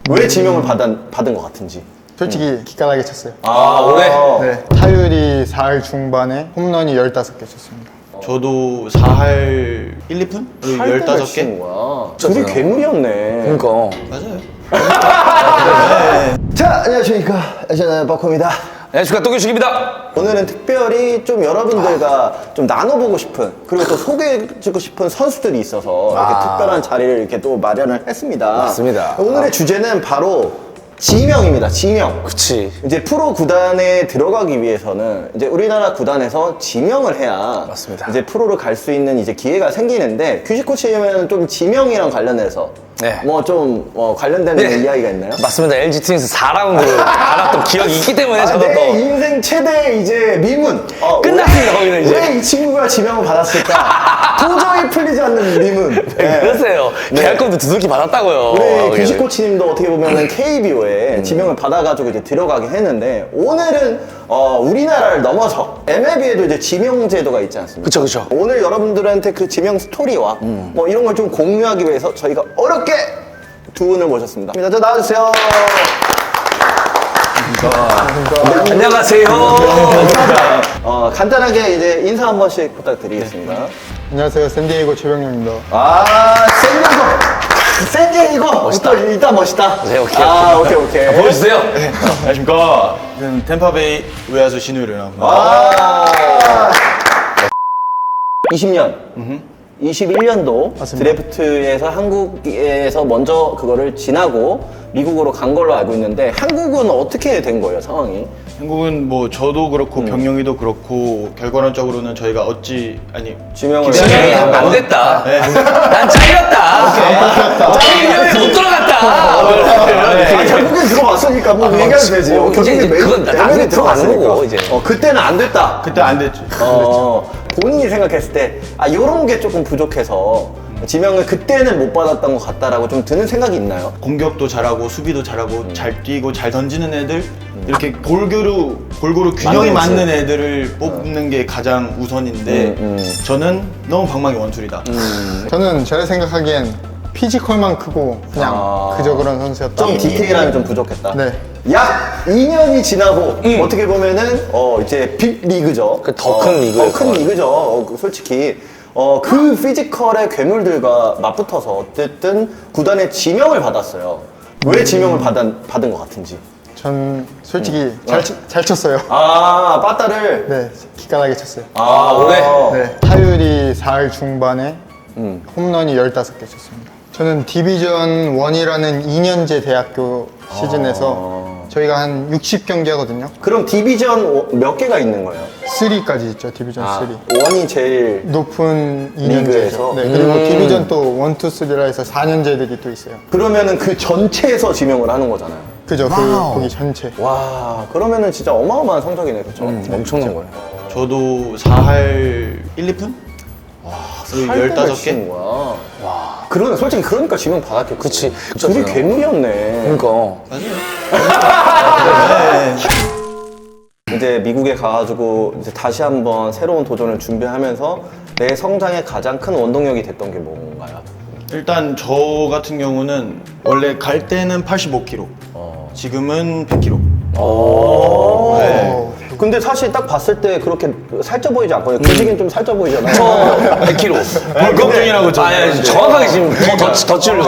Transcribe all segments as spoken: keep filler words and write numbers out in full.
왜 지명을 받은, 받은 것 같은지. 솔직히 기깔나게 쳤어요. 아, 올해? 네, 타율이 사 할 중반에 홈런이 열다섯 개 쳤습니다. 저도 사 할 일, 이 푼? 열다섯 개? 거야. 둘이 괴물이었네. 그러니까 맞아요. 자, 안녕하십니까. 저는 버커입니다. 안녕하십니까, 또규식입니다. 오늘은 특별히 좀 여러분들과 좀 나눠보고 싶은, 그리고 또 소개해주고 싶은 선수들이 있어서 이렇게 특별한 자리를 이렇게 또 마련을 했습니다. 맞습니다. 오늘의 주제는 바로 지명입니다. 지명. 그치. 이제 프로 구단에 들어가기 위해서는 이제 우리나라 구단에서 지명을 해야 맞습니다. 이제 프로를 갈 수 있는 이제 기회가 생기는데, 규식 코치님은 좀 지명이랑 관련해서 네. 뭐 좀 어, 관련되는 네. 이야기가 있나요? 맞습니다. 엘지 트윈스 사 라운드 알았던 기억이 있기 때문에 아, 저도 내 또 인생 최대 이제 미문. 어, 끝났습니다, 거기는 이제. 왜 이 친구가 지명을 받았을까? 도저히 풀리지 않는 미문. 네. 그러세요. 네. 계약금도 두둑히 받았다고요. 우리 규식 코치님도 어떻게 보면은 케이비오에 지명을 받아가지고 이제 들어가긴 했는데, 오늘은 어, 우리나라를 넘어서 엠엘비에도 이제 지명 제도가 있지 않습니까? 그쵸, 그쵸. 오늘 여러분들한테 그 지명 스토리와 뭐 이런 걸 좀 공유하기 위해서 저희가 어렵게 두 분을 모셨습니다. 저 나와주세요. 안녕하세요. 어, 간단하게 이제 인사 한 번씩 부탁드리겠습니다. 안녕하세요, 샌디에이고 최병룡입니다. 아, 샌디에이고! 샌디에이고! 멋있다. 또 일단 멋있다. 네, 오케이, 아, 오케이. 오케이, 오케이. 보여주세요. 안녕하십니까. 저는 템파베이 외야수 신우일이라고 합니다. 아, 이십 년. 이십일 년도 맞습니다. 드래프트에서 한국에서 먼저 그거를 지나고 미국으로 간 걸로 알고 있는데, 한국은 어떻게 된 거예요, 상황이? 한국은 뭐 저도 그렇고 병영이도 그렇고 결과론적으로는 저희가 어찌 아니 지명을 지명이 해. 안 됐다. 난 잘렸다. 잘리면 못 들어갔다. 아, 결국엔 들어왔으니까 뭐 얘기하면 되지. 어, 이제, 결국엔 이제 매- 그건 나중에 때문에 들어가는 들어왔으니까. 거고, 이제. 어, 그때는 안 됐다. 그때 안 됐죠. 어, 본인이 생각했을 때, 아, 요런 게 조금 부족해서 지명을 그때는 못 받았던 것 같다라고 좀 드는 생각이 있나요? 공격도 잘하고 수비도 잘하고 잘 뛰고 잘 던지는 애들 이렇게 골고루 골고루 균형이 맞는지. 맞는 애들을 뽑는 게 가장 우선인데 음, 음. 저는 너무 방망이 원툴이다. 저는 제가 생각하기엔 피지컬만 크고 그냥 아. 그저 그런 선수였다. 좀 디테일함이 좀 부족했다. 네. 약 이 년이 지나고 어떻게 보면은 어 이제 빅 리그죠. 그더큰 리그일 더큰 것 같아요. 리그죠. 어, 그 솔직히 어 그 피지컬의 괴물들과 맞붙어서 어쨌든 구단의 지명을 받았어요. 왜 지명을 받은 받은 것 같은지. 전 솔직히 잘, 치- 잘 쳤어요. 아, 빠따를. 네, 기깔나게 쳤어요. 아, 올해? 네, 타율이 사 할 중반에 홈런이 열다섯 개 쳤습니다. 저는 디비전 일이라는 이 년제 대학교 시즌에서 저희가 한 육십 경기 하거든요. 그럼 디비전 몇 개가 있는 거예요? 삼까지 있죠, 디비전 삼. 원이 제일 높은 리그에서? 이 년제죠. 네, 그리고 디비전 또 일, 이, 삼라 해서 사 년제들이 또 있어요. 그러면은 그 전체에서 지명을 하는 거잖아요. 그죠, 그 거기 전체. 와, 그러면은 진짜 어마어마한 성적이네, 그렇죠? 엄청난 거예요. 저도 사 할 일, 이 푼? 열다섯 개? 치는 거야. 와. 그러네, 솔직히 그러니까 지명 받았겠지. 그치. 둘이 그쵸, 괴물이었네. 그러니까. 이제 미국에 가가지고 이제 다시 한번 새로운 도전을 준비하면서 내 성장에 가장 큰 원동력이 됐던 게 뭔가요? 일단 저 같은 경우는 원래 갈 때는 팔십오 킬로그램, 지금은 백 킬로그램. 어, 근데 사실 딱 봤을 때 그렇게 살쪄 보이지 않거든요. 규식이는 좀 살쪄 보이잖아요. 저 백 킬로그램. 벌금 중이라고 저. 아니, 아니, 정확하게 지금 더, 더, 더 찌르려고.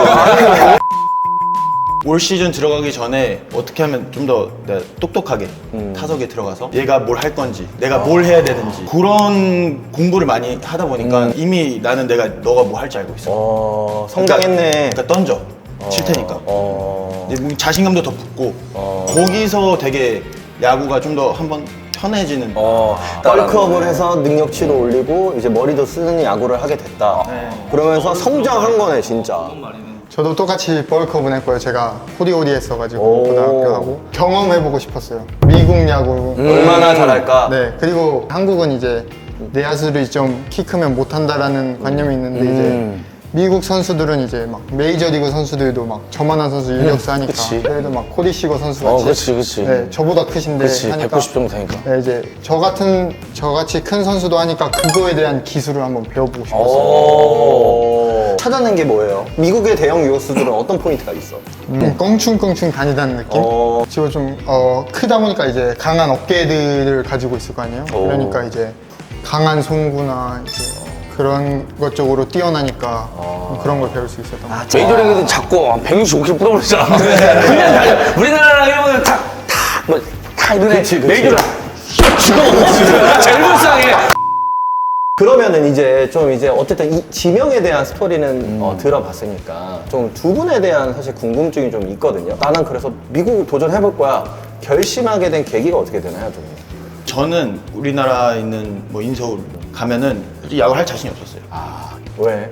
올 시즌 들어가기 전에 어떻게 하면 좀 더 똑똑하게 타석에 들어가서 얘가 뭘 할 건지 내가 뭘 해야 되는지 그런 공부를 많이 하다 보니까 이미 나는 내가 너가 뭐 할지 알고 있어. 어, 성장했네. 그러니까 던져. 칠 테니까. 어, 이제 자신감도 더 붙고 거기서 되게 야구가 좀 더 한번 편해지는. 어, 벌크업을 해서 능력치를 올리고 이제 머리도 쓰는 야구를 하게 됐다. 그러면서 성장한 거네, 진짜. 저도 똑같이 벌크업은 했고요. 제가 호디호디 했어가지고 오. 고등학교 하고 경험해보고 싶었어요. 미국 야구. 얼마나 잘할까? 네, 그리고 한국은 이제 내야수를 좀 키 크면 못한다라는 관념이 있는데 이제 미국 선수들은 이제 막 메이저리그 선수들도 막 저만한 선수 유격수 하니까 그치. 그래도 막 코디 시거 선수 같이 어, 그치, 그치. 네, 저보다 크신데 그치, 하니까 백구십 정도 되니까. 네, 이제 저 같은 저같이 큰 선수도 하니까 그거에 대한 기술을 한번 배워보고 싶었어요. 오. 찾아낸 게 뭐예요? 미국의 대형 유격수들은 어떤 포인트가 있어? 좀 껑충껑충 다니다는 느낌? 어. 지금 좀 어, 크다 보니까 이제 강한 어깨들을 가지고 있을 거 아니에요? 그러니까 이제 강한 송구나 이제 그런 것 쪽으로 뛰어나니까 그런 걸 배울 수 있었던 것 같아요. 메이저리그는 자꾸 백육십오 킬로미터 뿌려버리잖아. 그냥 달려. 우리나라랑 일본은 탁, 탁, 뭐, 탁 이러네. 그치, 그치. 메이저는 죽어. 제일 불쌍해. 그러면은 이제 좀 이제 어쨌든 이 지명에 대한 스토리는 어, 들어봤으니까 좀 두 분에 대한 사실 궁금증이 좀 있거든요. 나는 그래서 미국 도전해볼 거야. 결심하게 된 계기가 어떻게 되나요, 좀? 저는 우리나라에 있는 뭐 인서울 가면은 솔직히 야구를 할 자신이 없었어요. 왜?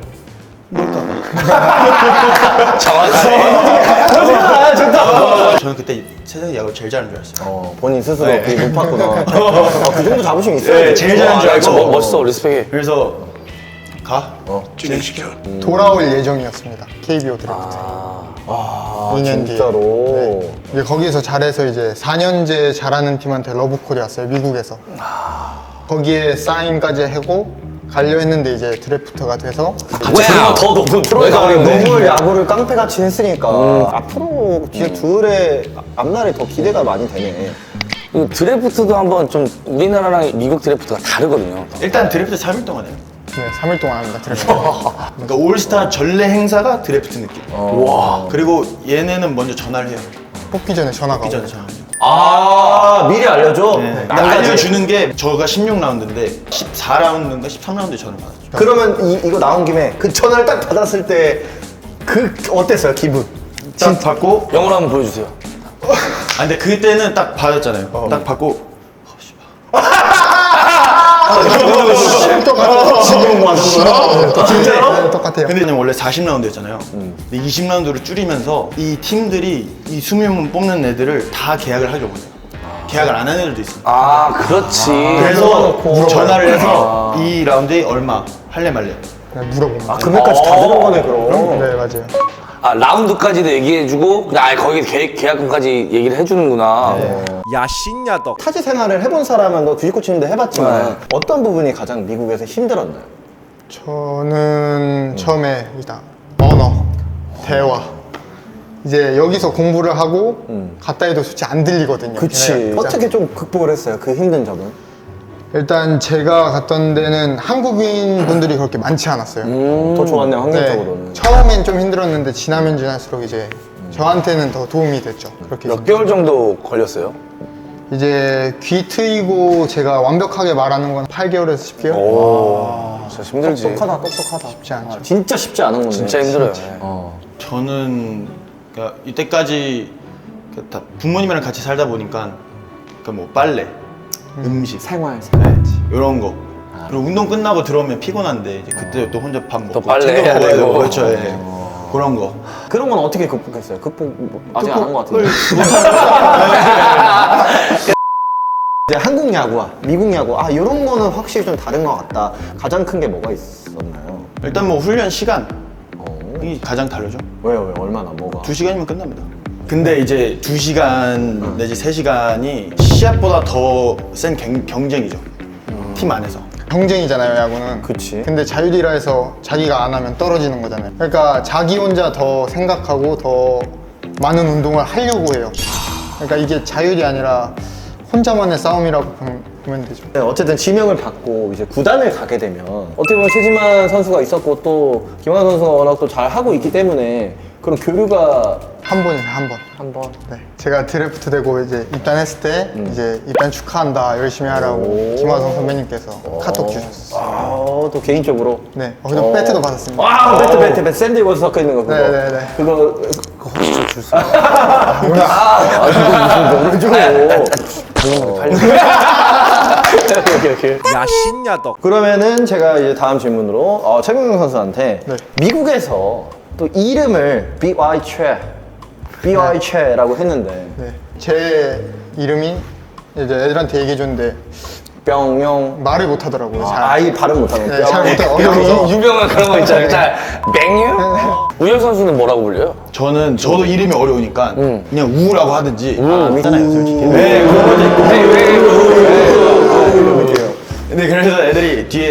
정확하네. 좋다. 저는 그때 세상에 야구를 제일 잘하는 줄 알았어요. 어, 본인 스스로 되게 높았구나. 어, 그 정도 자부심 있어요. 네, 제일 잘하는 줄 아, 진짜 알고. 멋- 멋있어, 리스펙해. 그래서 가. 진행시켜. 돌아올 예정이었습니다. 케이비오 드래프트. 아, 이 년 뒤에. 진짜로. 네. 이제 거기서 잘해서 이제 사 년째 잘하는 팀한테 러브콜이 왔어요, 미국에서. 거기에 사인까지 하고 가려 했는데 이제 드래프트가 돼서 뭐야? 더 높은 프로에 내가 가버렸네. 너무 야구를 깡패같이 했으니까 앞으로 뒤에 둘의 앞날이 더 기대가 많이 되네. 그 드래프트도 한번 좀 우리나라랑 미국 드래프트가 다르거든요. 일단 드래프트 삼 일 동안 해요. 네, 삼 일 동안 합니다, 드래프트. 그러니까 올스타 전례 행사가 드래프트 느낌. 와. 그리고 얘네는 먼저 전화를 해요. 뽑기 전에 전화가 이 오고. 전에 전화. 아, 미리 알려줘? 네. 근데 알려주는 게 저가 십육 라운드인데 십사 라운드인가 십삼 라운드에 전화를 받았죠. 그러면 이, 이거 나온 김에 그 전화를 딱 받았을 때 그 어땠어요, 기분? 딱 받고 영어로 한번 보여주세요. 아 근데 그때는 딱 받았잖아요. 딱 받고 똑같아요. 지금 뭐 하는 거야? 진짜로? 네, 똑같아요. 근데 원래 사십 라운드였잖아요. 근데 이십 라운드로 줄이면서 이 팀들이 이 이십 명 뽑는 애들을 다 계약을 하려고 해요. 계약을 안 하는 애들도 있어요. 아, 그렇지. 그래서 전화를 해서 이 라운드에 얼마 할래 말래. 그냥 물어보면. 아, 금액까지 다 들은 거네, 그럼. 네, 맞아요. 아, 라운드까지도 얘기해주고, 그냥 아예 거기 계, 계약금까지 얘기를 해주는구나. 야신야덕 타지 생활을 해본 사람은 너 뒤집고 치는데 해봤지만 어떤 부분이 가장 미국에서 힘들었나요? 저는 처음에 일단 언어, 대화. 이제 여기서 공부를 하고 갔다 해도 솔직히 안 들리거든요. 그치. 걔네가 진짜. 어떻게 좀 극복을 했어요, 그 힘든 점은? 일단 제가 갔던 데는 한국인 분들이 그렇게 많지 않았어요. 더 좋았네요, 네. 환경적으로는. 처음엔 좀 힘들었는데 지나면 지날수록 이제 저한테는 더 도움이 됐죠. 그렇게 몇 개월 정도 걸렸어요? 이제 귀 트이고 제가 완벽하게 말하는 건 팔 개월에서 십 개월? 오, 진짜 힘들지. 똑똑하다, 똑똑하다. 쉽지 않죠. 진짜 쉽지 않은 건데. 진짜 힘들어요. 어. 저는 그러니까 이때까지 그다 부모님이랑 같이 살다 보니까 그러니까 뭐 빨래, 음식, 생활, 네, 이런 거. 그리고 운동 끝나고 들어오면 피곤한데 이제 그때 또 혼자 밥 먹고 빨래 챙겨 해야 먹어야 되고. 되고 그렇죠. 예. 그런 거. 그런 건 어떻게 극복했어요? 극복 뭐 아직 안 한 것 같은데. 이제 한국 야구와 미국 야구, 아 이런 거는 확실히 좀 다른 것 같다. 가장 큰 게 뭐가 있었나요? 일단 뭐 훈련 시간 이 가장 다르죠. 왜요, 왜 얼마나 뭐가? 두 시간이면 끝납니다. 근데 이제 두 시간 내지 세 시간이 시합보다 더 센 경쟁이죠. 팀 안에서. 경쟁이잖아요, 야구는. 그치. 근데 자율이라 해서 자기가 안 하면 떨어지는 거잖아요. 그러니까 자기 혼자 더 생각하고 더 많은 운동을 하려고 해요. 그러니까 이게 자율이 아니라 혼자만의 싸움이라고 보면, 보면 되죠. 네, 어쨌든 지명을 받고 이제 구단을 가게 되면 어떻게 보면 최지만 선수가 있었고 또 김환 선수가 워낙 또 잘 하고 있기 때문에 그런 교류가 한 번이에요, 한 번. 한 번. 네. 제가 드래프트 되고 이제 입단했을 때 이제 입단 축하한다, 열심히 하라고 오. 김화성 선배님께서 카톡 주셨어요. 아, 또 개인적으로. 네. 어, 그리고 배트도 받았습니다. 와, 배트, 배트, 배트. 샌디에고에서 섞여 있는 거 그거. 네네네. 그거 그거 혹시 줄 수? 아, 뭐야? 아, 이거 무슨 너를 줘? 팔려. 오케이, 오케이. 야신야덕 그러면은 제가 이제 다음 질문으로 어, 최경영 선수한테 네. 미국에서 또 이름을 비와이 최, 비와이 최라고 했는데 네. 제 이름이 이제 애들한테 얘기해줬는데 뿅용 말을 못 하더라고요. 잘. 아이 발음 못하는 네, 잘 못해. 유- 어려워서. 유명한 그런 거 있잖아요. 자, 맹유? 우열 선수는 뭐라고 불려요? 저는 저도 이름이 어려우니까 그냥 우라고 하든지 아, 있잖아요, 솔직히. 네 그런 것도 있고 왜, 왜, 왜, 왜. 근데 그래서 애들이 뒤에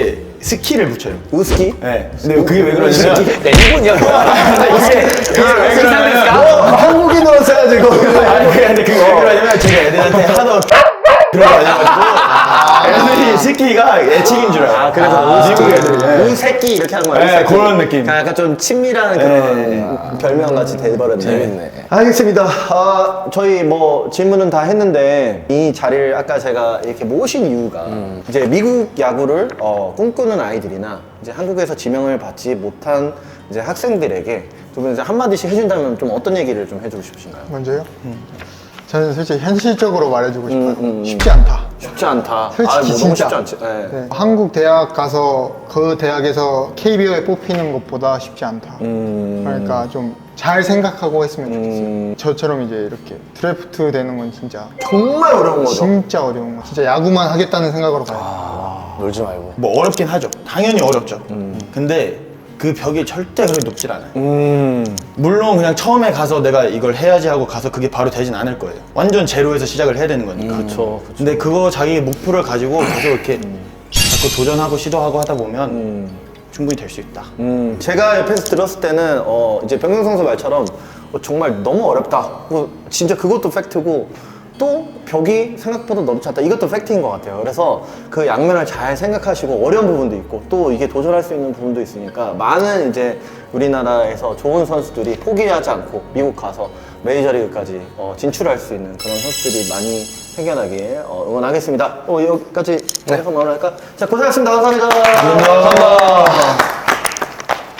스키를 붙여요. 우스키? 네. 근데 그게 왜 그러냐면 네, 일본이야. 이게 왜 그러냐면 한국인으로 써야지고. 아니 그게 근데 그게 왜 그러냐면 제가 애들한테 하도 그런 거 아니어가지고 애들이 스키가 애칭인 줄 알아요. 아, 그래서 미국 애들이. 네. 우새끼 이렇게 하는 거예요. 네, 우새끼. 그런 느낌. 약간 좀 친밀한 그런 별명 같이 돼버렸네. 재밌네. 알겠습니다. 아, 저희 뭐 질문은 다 했는데 이 자리를 아까 제가 이렇게 모신 이유가 이제 미국 야구를 어, 꿈꾸는 아이들이나 이제 한국에서 지명을 받지 못한 이제 학생들에게 두 분 이제 한마디씩 해준다면 좀 어떤 얘기를 좀 해주고 싶으신가요? 먼저요? 저는 솔직히 현실적으로 말해주고 싶어요. 음, 음, 음. 쉽지 않다. 쉽지 않다. 솔직히 아, 뭐 너무 진짜. 쉽지 않지. 네. 네. 한국 대학 가서 그 대학에서 케이비오에 뽑히는 것보다 쉽지 않다. 음. 그러니까 좀 잘 생각하고 했으면 좋겠어요. 저처럼 이제 이렇게 드래프트 되는 건 진짜 정말 어려운 거죠. 진짜 어려운 거. 진짜 야구만 하겠다는 생각으로 가요. 놀지 말고. 뭐 어렵긴 하죠. 당연히 어렵죠. 근데 그 벽이 절대 그렇게 높질 않아요. 음. 물론 그냥 처음에 가서 내가 이걸 해야지 하고 가서 그게 바로 되진 않을 거예요. 완전 제로에서 시작을 해야 되는 거니까. 그쵸, 근데 그거 자기 목표를 가지고 계속 이렇게 자꾸 도전하고 시도하고 하다 보면 충분히 될 수 있다. 음, 제가 옆에서 들었을 때는 어, 이제 병경 선수 말처럼 어, 정말 너무 어렵다. 뭐, 진짜 그것도 팩트고 또 벽이 생각보다 넓지 않다. 이것도 팩트인 것 같아요. 그래서 그 양면을 잘 생각하시고 어려운 부분도 있고 또 이게 도전할 수 있는 부분도 있으니까 많은 이제 우리나라에서 좋은 선수들이 포기하지 않고 미국 가서 메이저리그까지 어, 진출할 수 있는 그런 선수들이 많이 생겨나길 어, 응원하겠습니다. 어, 여기까지 해서 마무리할까? 자, 고생하셨습니다. 감사합니다. 감사합니다.